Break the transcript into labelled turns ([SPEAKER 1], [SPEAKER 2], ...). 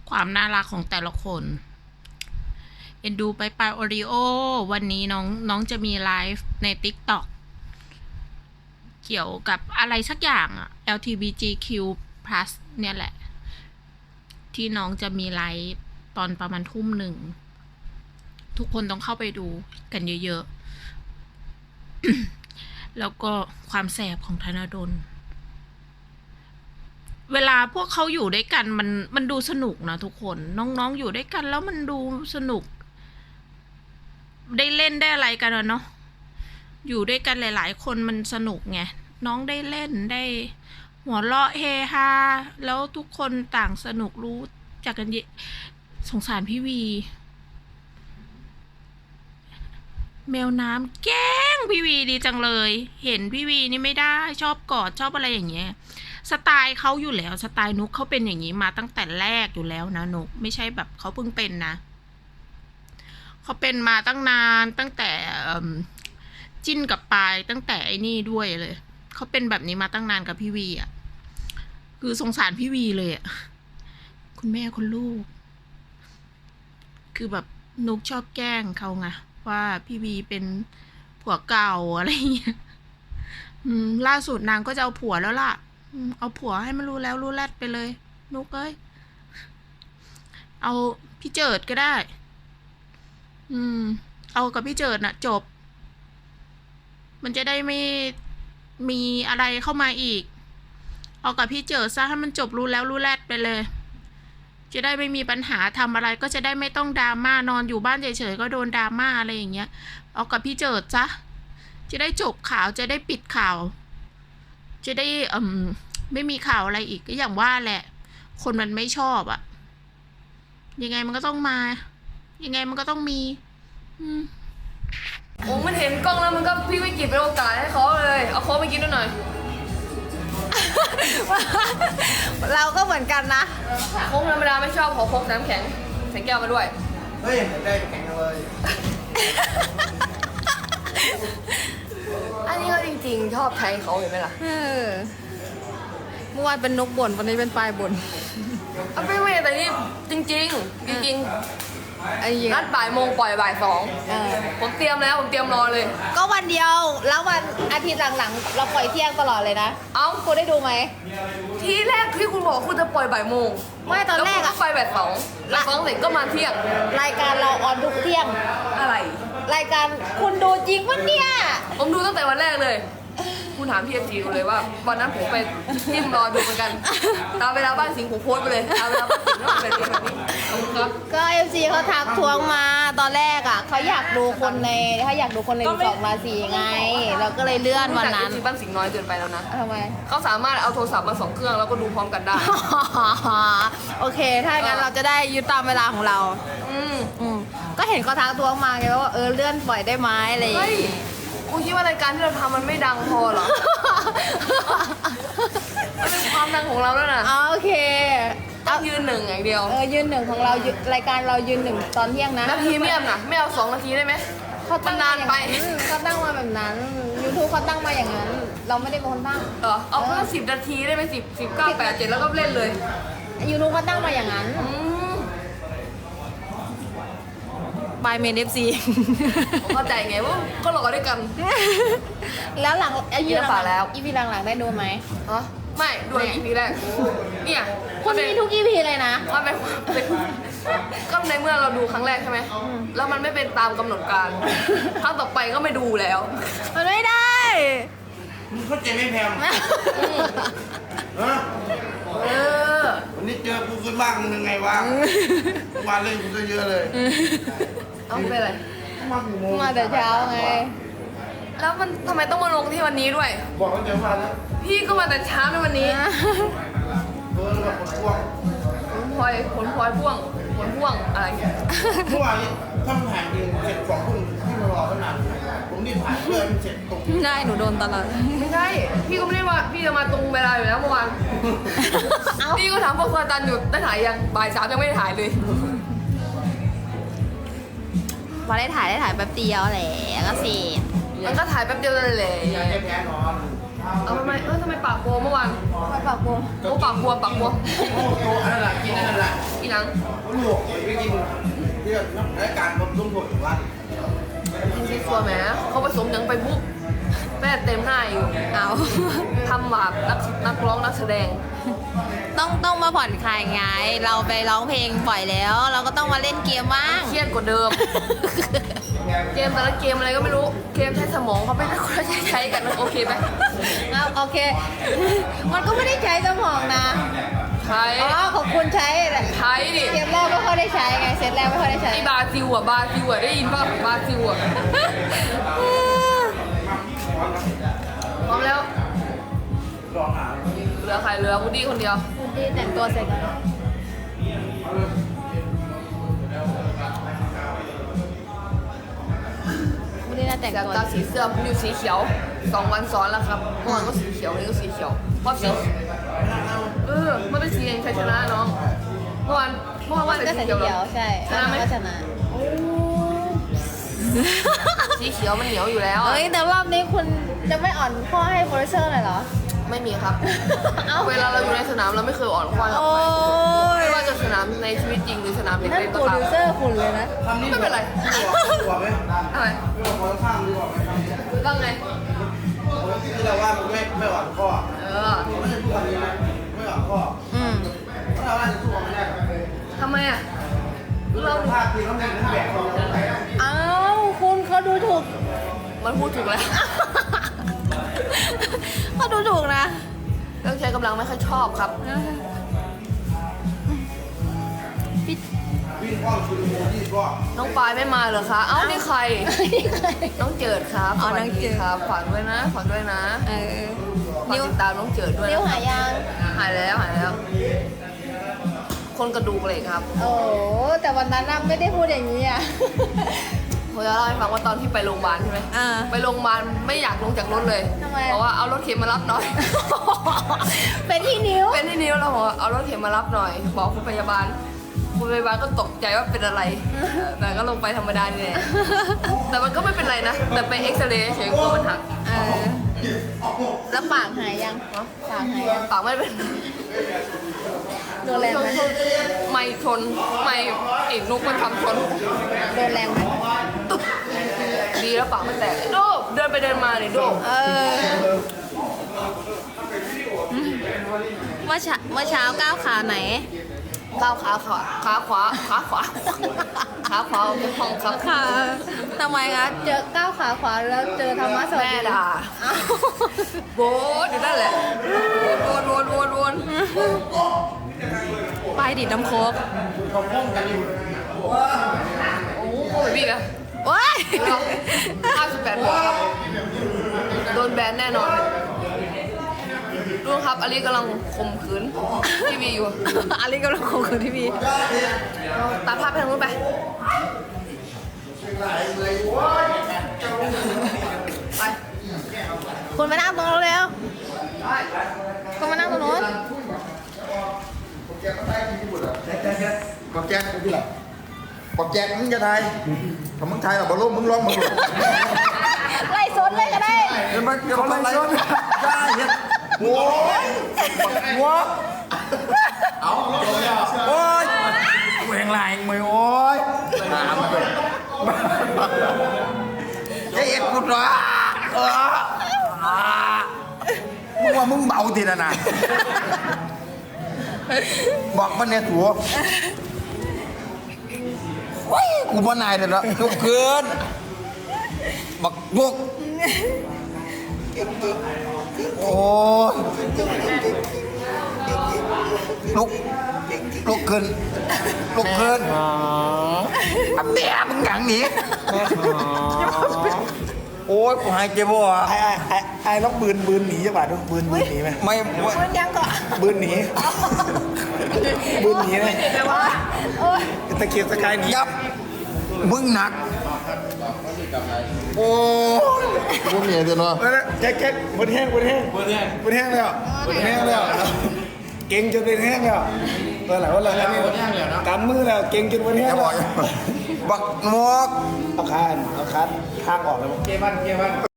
[SPEAKER 1] ความน่ารักของแต่ละคน เอ็นดูไปโอริโอวันนี้น้องจะมีไลฟ์ใน TikTok เกี่ยวกับอะไรสักอย่างอะ LGBTQ+ เนี่ยแหละ ที่น้องจะมีไลฟ์ตอนประมาณทุ่มหนึ่ง ทุกคนต้องเข้าไปดูกันเยอะๆ แล้วก็ความแสบของธนดล เวลาพวกเขาอยู่ด้วยกันมันดูสนุกนะทุกคน น้องๆอยู่ด้วยกันแล้วมันดูสนุก ได้เล่นได้อะไรกันเนาะอยู่ด้วยกันหลายๆคนมันสนุกไงน้องได้เล่นได้หัวเราะเฮฮาแล้วทุกคนต่างสนุกรู้จักกันสงสารพี่วี แมวน้ำแกล้งพี่วีดีจังเลย เห็นพี่วีนี่ไม่ได้ชอบกอดชอบอะไรอย่างเงี้ยสไตล์เขาอยู่แล้วสไตล์นุกเขาเป็นอย่างนี้มาตั้งแต่แรกอยู่แล้วนะนุกไม่ใช่แบบเขาเพิ่งเป็นนะเขาเป็นมาตั้งนานตั้งแต่จิ้นกับปายตั้งแต่ไอ้นี่ด้วยเลยเขาเป็นแบบนี้มาตั้งนานกับพี่วีอ่ะคือสงสารพี่วีเลยอ่ะคุณแม่คุณลูกคือแบบนุกชอบแกล้งเขาไงว่าพี่วีเป็นผัวเก่าอะไรเงี้ยล่าสุดนางก็จะเอาผัวแล้วล่ะเอาผัวให้มันรู้แล้วรู้แลดไปเลยนุกเอ้ยเอาพี่เจิดก็ได้เอากับพี่เจิดน่ะจบมันจะได้ไม่มีอะไรเข้ามาอีกเอากับพี่เจิดซะให้มันจบรู้แล้วรู้แลดไปเลยจะได้ไม่มีปัญหาทำอะไรก็จะได้ไม่ต้องดราม่านอนอยู่บ้านเฉยๆก็โดนดราม่าอะไรอย่างเงี้ยเอากับพี่เจิดซะจะได้จบข่าวจะได้ปิดข่าวจะได้ไม่มีข่าวอะไรอีกก็อย่างว่าแหละคนมันไม่ชอบอะยังไงมันก็ต้องมายังไงมันก็ต้องมี
[SPEAKER 2] โอ้มันเห็นกล้องแล้วมันก็พี่วิกฤตเป็นโอกาสให้เขาเลยเอาโค้กไปกินด้วยหน่อย
[SPEAKER 3] เราก็เหมือนกันนะ
[SPEAKER 2] โค้กธรรมดาไม่ชอบขอโค้กน้ำแข็งใส่แก้วมาด้วย
[SPEAKER 4] เฮ้ยได้แข็งเลย
[SPEAKER 2] อันนี้ก็จริงๆชอบใช้เขาเห็นไหมล่ะ
[SPEAKER 3] เมื่อวานเป็นนกบ่นวันนี้เป็นปลายบ่น
[SPEAKER 2] เอาไม่แต่นี่จริงๆ
[SPEAKER 3] ไอ้เหี้ย
[SPEAKER 2] นัดบ่ายโมงปล่อยบ่ายสองผมเตรียมแล้วผมเตรียมรอเลย
[SPEAKER 3] ก็วันเดียวแล้ววันอาทิตย์หลังๆเราปล่อยเที่ยงตลอดเลยนะ
[SPEAKER 2] เอ้า
[SPEAKER 3] คุณได้ดูไหม
[SPEAKER 2] ทีแรกที่คุณบอกคุณจะปล่อยบ่ายโมง
[SPEAKER 3] ไม่ตอนแรก
[SPEAKER 2] แล้วคุณก็
[SPEAKER 3] อะ
[SPEAKER 2] ไปบ่ายสองแล้วสองเสร็จก็มาเที่ยง
[SPEAKER 3] รายการเราออนทุกเที่ยง
[SPEAKER 2] อะไร
[SPEAKER 3] รายการคุณดูจริงปะเนี่ย
[SPEAKER 2] ผมดูตั้งแต่วันแรกเลย คุณถามพี่เอฟซีดูเลยว่าวันนั้นผมไปจิ้มรอดูเหมือนกันตามเวลาบ้านสิงห์ผมโพสต์ไปเลยตามเวลาบ้านสิงห์ก็เป็นแบบนี้ขอบคุณครับ
[SPEAKER 3] ก็เอฟซีเขาทักทวงมาตอนแรกอ่ะเขาอยากดูคนใน12 ราศีไง เราก็เลยเลื่อนวันนั้น
[SPEAKER 2] แต่ FC บ้านสิงห์น้อยเกินไปแล้วนะ
[SPEAKER 3] ทำไม
[SPEAKER 2] เขาสามารถเอาโทรศัพท์มา2เครื่องแล้วก็ดูพร้อมกันได้
[SPEAKER 3] โอเค ถ้างั้นเราจะได้ยึดตามเวลาของเรา
[SPEAKER 2] อืม
[SPEAKER 3] ก็เห็นเขาทักทวงมาไงว่าเลื่อนปล่อยได้ไหมอะไรอย่าง
[SPEAKER 2] เฮ้ย
[SPEAKER 3] งี้
[SPEAKER 2] คุณคิดว่ารายการที่เราทำมันไม่ดังพอเหรอ มันเป็นความดังของเราแล้วนะ
[SPEAKER 3] โอเค
[SPEAKER 2] ต้องยืนหนึ่งอย่างเดียว
[SPEAKER 3] ยืนหนึ่งของเรารายการเรายืนหนึ่งตอนเที่ยงนะ
[SPEAKER 2] นาทีไม่เอานะไม่เอา2 นาทีได้ไหม
[SPEAKER 3] เขาตั้ง
[SPEAKER 2] มันนานไป
[SPEAKER 3] เขาตั้งมาแบบนั้น YouTube เขาตั้งมาอย่างนั้น เราไม่ได้เป็นคนตั้ง
[SPEAKER 2] เหรอเอาแค่10 นาทีได้ไหม10 9 8 7แล้วก็เล่นเลย
[SPEAKER 3] YouTube เขาตั้งมาอย่างนั้น
[SPEAKER 2] อืม
[SPEAKER 3] บายเมนเอฟซี
[SPEAKER 2] ผมเข้าใจไงว่าก็หลอกด้วยกัน
[SPEAKER 3] แล้วหลัง
[SPEAKER 2] มีแล้วฝากแล้ว
[SPEAKER 3] อีพีหลังๆได้ดูไหม
[SPEAKER 2] ฮะไม่ดูอีพีแรกเนี่ย
[SPEAKER 3] คุณมีทุกอีพีเลยนะ
[SPEAKER 2] มันเป็นก็ในเมื่อเราดูครั้งแรกใช่ไหมแล้วมันไม่เป็นตามกำหนดการครั้งต่อไปก็ไม่ดูแล้ว
[SPEAKER 3] มันไม่ได้
[SPEAKER 4] มึงเข้าใจไหมแพมฮะ
[SPEAKER 2] เออ
[SPEAKER 4] วันนี้เจอกูขึ้นบ้างมึงยังไงวะมาเล่นกูก็เยอะเลย
[SPEAKER 2] เอาไปเลย
[SPEAKER 4] มากี่โมง
[SPEAKER 3] มาแต่เช้าไง
[SPEAKER 2] แล้วมันทำไมต้องมาลงที่วันนี้ด้วย
[SPEAKER 4] บอกว่าเจอมาแล้ว
[SPEAKER 2] พี่ก็มาแต่เช้าในวันนี้
[SPEAKER 4] เบอร์กับคนพ่วง
[SPEAKER 2] ผลพลอยพ่วงผลพ่วงอะไร
[SPEAKER 4] เมื่อวานนี้ถ้ามันถ่ายจริงเสร็จ2 ทุ่มที่มารอตั้งนานผมรีบถ่ายเพื่อให้มันเสร็จตรง
[SPEAKER 3] ได้หนูโดนตลอด
[SPEAKER 2] ไม่ใช่ พี่ก็ไม่ได้ว่าพี่จะมาตรงเวลาอยู่แล้วเมื่อวาน
[SPEAKER 3] เอ้า
[SPEAKER 2] พี่ก็ถามพวกซาตันอยู่ได้ถ่ายยังบ่าย 3ยังไม่ได้ถ่ายเลย
[SPEAKER 3] พอได้ถ่ายแป๊บเดียวแหละก็เสร็จ
[SPEAKER 2] มันก็ถ่ายแป๊บเดียวเลยแหละ
[SPEAKER 4] อยากให้แพ้นอน
[SPEAKER 2] เอาทำไมทำไมปากบวมเมื่อวาน
[SPEAKER 3] ไปปากบวม
[SPEAKER 2] โอ้ปากบวม
[SPEAKER 4] โอ้โหอันนั้นแหละกินอันนั้นแหละ
[SPEAKER 2] อีหนังยัง
[SPEAKER 4] ผมหลวกไปกินที่รายการผมลุ่มผมว่า
[SPEAKER 2] กินซีซัวแหมเขาผสมยังไปปุ๊บแม่เต็มหน้าอยู่
[SPEAKER 3] เอา
[SPEAKER 2] ทำแบบนักร้องนักแสดง
[SPEAKER 3] ต้องมาผ่อนคลายไง เราไปร้องเพลงบ่อยแล้ว เราก็ต้องมาเล่นเกมบ้าง
[SPEAKER 2] เครียดกว่าเดิม เกมแต่ละเกมอะไรก็ไม่รู้ เกมใช้สมองเขาไม่ได้คนใช้กันนะโอเคไหม
[SPEAKER 3] เอาโอเค มันก็ไม่ได้ใช้สมองนะ
[SPEAKER 2] ใช้
[SPEAKER 3] อ๋อของคุณใช้แหละ
[SPEAKER 2] ใช้ดิ
[SPEAKER 3] เกมแรกไม่ค่อยได้ใช้ไง เซตแรกไม่ค่อยได้ใช้
[SPEAKER 2] ไอ้บาซิลอ่ะได้ยินป่ะบาซิลอ่ะพร้อมแล้ว
[SPEAKER 4] ลองหา
[SPEAKER 2] เหลือใครเหลือวูดดี้คนเดียว
[SPEAKER 3] คุณดีแต่งตัวเสร็จแล้วคุณดีน่าแต่ง
[SPEAKER 2] จาก
[SPEAKER 3] ตัว
[SPEAKER 2] ตาสีเสื้อผมอยู่สีเขียว2 วันซ้อนแล้วครับเมื่อวานก็สีเขียววันนี้ก็สีเขียวเพราะสีมันเป็นสีแห่งชัยชนะน้องเมื่อวานว่า
[SPEAKER 3] ก็
[SPEAKER 2] แต่
[SPEAKER 3] ใส่
[SPEAKER 2] สี
[SPEAKER 3] สี
[SPEAKER 2] เขียว
[SPEAKER 3] เขียวใช่
[SPEAKER 2] ชนะไหม
[SPEAKER 3] ก็ชนะ
[SPEAKER 2] สีเขียวมันเหนียวอยู่แล้ว
[SPEAKER 3] เอ้ยแต่รอบนี้คุณจะไม่อ่อนข้อให้โปรดิวเซอร์เลยเหรอ
[SPEAKER 2] ไม่มีครับ
[SPEAKER 3] เอ้า
[SPEAKER 2] เวลาเราอยู่ในสนามเราไม่เคยอ่อนข้อกับ
[SPEAKER 3] โอ้
[SPEAKER 2] ใคร
[SPEAKER 3] ย
[SPEAKER 2] ไม่ว่าจะสนามในชีวิตจริงหรือสนามเด็ก
[SPEAKER 3] นั่น
[SPEAKER 2] เล่น
[SPEAKER 3] โป
[SPEAKER 2] ก็
[SPEAKER 3] ร
[SPEAKER 2] ตาม
[SPEAKER 3] ดิวเซอร์คุณเลยนะ
[SPEAKER 4] ทำนี่
[SPEAKER 2] ไม่เป็นไร
[SPEAKER 4] ดีกว่าไหม
[SPEAKER 2] อะไร
[SPEAKER 4] ดีกว่าคนข้างดีกว่าไหม
[SPEAKER 2] ว่าไง
[SPEAKER 4] ที่เราว่ามันไม่หวานข้อ ไม่ใช่ทุกวันนี้นะไม่หวานข้อ
[SPEAKER 3] อืม
[SPEAKER 4] เพราะเราว่าจะสู้ไม่ได้
[SPEAKER 2] ทำไมอ่ะเรา
[SPEAKER 4] ภาพที่เขาเล่นทั้งแบบเรา
[SPEAKER 3] เอ้าคุณเขาดูถูก
[SPEAKER 2] มันพูดถูกแล้ว
[SPEAKER 3] เขาดูถูกนะ
[SPEAKER 2] เรื่องใช้กำลังไม่ค่อยชอบครับ
[SPEAKER 4] วิ่งอ้อมชุดโมยี่ก็
[SPEAKER 2] น้องปายไม่มาเหรอคะ เอ้านี่ใคร น้องเจิดครับ
[SPEAKER 3] อ๋อ
[SPEAKER 2] สวัส
[SPEAKER 3] น้องเจิด
[SPEAKER 2] ครับฝากด้วยนะฝากด้วยนะ
[SPEAKER 3] เออ
[SPEAKER 2] ฝากติดตามน้องเจิดด้วย
[SPEAKER 3] นิ้ว
[SPEAKER 2] นะ
[SPEAKER 3] หายยัง
[SPEAKER 2] หายแล้ว คนกระดูกเหล็กครับ
[SPEAKER 3] โอ้แต่วันนั้นน่ะไม่ได้พูดอย่างนี้อ่ะ
[SPEAKER 2] ผมจะเล่าให้ฟังว่าตอนที่ไปโรงพยาบาลใช่ไหม
[SPEAKER 3] อ่า
[SPEAKER 2] ไปโรงพยาบาลไม่อยากลงจากรถเลย
[SPEAKER 3] ทำไม
[SPEAKER 2] เพราะว่าเอารถเข็นมารับหน่อย
[SPEAKER 3] เป็นที่นิ้ว
[SPEAKER 2] เป็นที่นิ้วเราบอกว่าเอารถเข็นมารับหน่อย บอกคุณพยาบาลก็ตกใจว่าเป็นอะไร แต่ก็ลงไปธรรมดานี่แหละแต่มันก็ไม่เป็นไรนะ แต่ไปเอ็กซเรย์เฉยๆกลัวมันหัก
[SPEAKER 3] เออ แล้วปากหายยังปากหายยัง
[SPEAKER 2] ปากไม่เป็น
[SPEAKER 3] โดนแรงไหม
[SPEAKER 2] ไม่ชนไม่เอกนุกมันทำชน
[SPEAKER 3] โดนแรงไหม
[SPEAKER 2] ตุ๊บดีแล้วปากไม่แตกโดบเดินไปเดินมาเนี่ยโดบ
[SPEAKER 3] เออ เมื่อเช้าก้าวขาไหน
[SPEAKER 2] ก้าวขาขวาขาขวาออกจากห้องครับ
[SPEAKER 3] ขาทำไมคะเจอก้าวขาขวาแล้วเจอธรรมะสวัส
[SPEAKER 2] แม่
[SPEAKER 3] ดี
[SPEAKER 2] ด่า
[SPEAKER 3] เอ้า
[SPEAKER 2] โบนอยู่นั่นแหละวน
[SPEAKER 3] ไปดิดน้ำโคก
[SPEAKER 4] เขาพ้องกันอยู่
[SPEAKER 2] โอ้โหพี่อะ
[SPEAKER 3] ว้าย
[SPEAKER 2] 58หัวครับโดนแบนแน่นอนดูครับอลิกำลังข่มขืนทีวีอยู่
[SPEAKER 3] อันนี้กำลังคงคือที่มี
[SPEAKER 2] ตัดภาพไปทางนู้นไปไป
[SPEAKER 3] คุณมานั่งตรงนู้นเร็วคุณมานั่งตรงนู้น
[SPEAKER 5] บอกแจ็คที่ไหนบอกแจ็คมึงจะไทยถ้ามึงไทยหรอบอลลูนมึงร้องมึง
[SPEAKER 3] ไล่สนเลยก็ได้
[SPEAKER 5] เห็นไหมเกี่ยวกับอะไรได้เห็นโว้ยหัวเอาโอ้ยแหวงลายมือโอ้ยน้ำเลยไอ้เอ็ดกูร้ามึงว่ามึงเบาทีละนะบอกมันเนี่ยถั่วเฮ้ยกูบ่นายเลยละยกเกินบักยกโอ้ยลุกขึ้นอันแม่มึงหยังหนีโอ้ยกูหายใจบ่อ่ะ
[SPEAKER 6] ไอ้ต้องบืนหนีจังหวะต้องบืนหนีไหม
[SPEAKER 5] ไม่
[SPEAKER 3] มันยังก่อน
[SPEAKER 6] บืนหนีไหม
[SPEAKER 2] แต่ว่า
[SPEAKER 6] ตะเกียบตะกายหนี
[SPEAKER 5] ยับมึงหนักโอ้ยกูเหนื่อยจังเนาะ
[SPEAKER 6] แล้วแจ๊กบนแห้งแล้วเก่งจนเป็นแห้งแล้ววันหลังนี่กำมือแล้วเก่งจนบนแห้ง
[SPEAKER 5] จะบ
[SPEAKER 6] แล้
[SPEAKER 5] อ
[SPEAKER 6] ว
[SPEAKER 5] กบักงอก
[SPEAKER 6] เอาคานทางออกแล้ว
[SPEAKER 4] เกมัน